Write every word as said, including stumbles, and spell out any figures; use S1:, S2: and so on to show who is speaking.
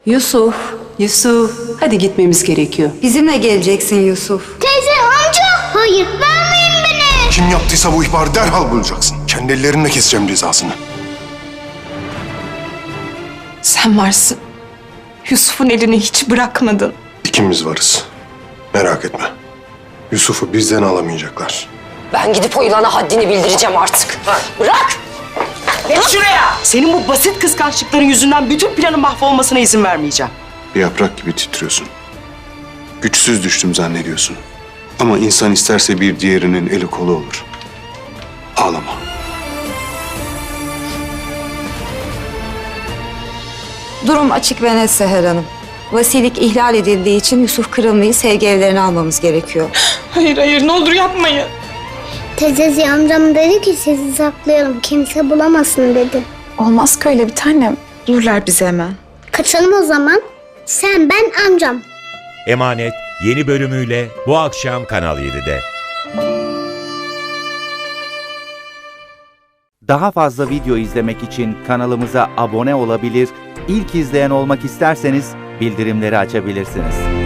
S1: Yusuf, Yusuf. Hadi gitmemiz gerekiyor.
S2: Bizimle geleceksin Yusuf.
S3: Teyze, amca. Hayır, vermeyin beni.
S4: Kim yaptıysa bu ihbarı derhal bulacaksın. Kendi ellerimle keseceğim cezasını.
S5: Sen varsın. Yusuf'un elini hiç bırakmadın.
S4: İkimiz varız. Merak etme. Yusuf'u bizden alamayacaklar.
S6: Ben gidip o yılana haddini bildireceğim artık. Bırak!
S7: Geç şuraya! Senin bu basit kıskançlıkların yüzünden bütün planın mahvolmasına izin vermeyeceğim.
S4: Bir yaprak gibi titriyorsun. Güçsüz düştüm zannediyorsun. Ama insan isterse bir diğerinin eli kolu olur. Ağlama.
S2: Durum açık ve net Seher Hanım. Vasilik ihlal edildiği için Yusuf Kırımlı'yı sevgi evlerine almamız gerekiyor.
S5: Hayır hayır ne olur yapmayın.
S3: Teyzesi amcam dedi ki sizi saklayalım. Kimse bulamasın dedi.
S5: Olmaz ki öyle bir tanem. Dururlar bizi hemen.
S3: Kaçalım o zaman. Sen, ben, amcam.
S8: Emanet yeni bölümüyle bu akşam Kanal yedide.
S9: Daha fazla video izlemek için kanalımıza abone olabilir, ilk izleyen olmak isterseniz bildirimleri açabilirsiniz.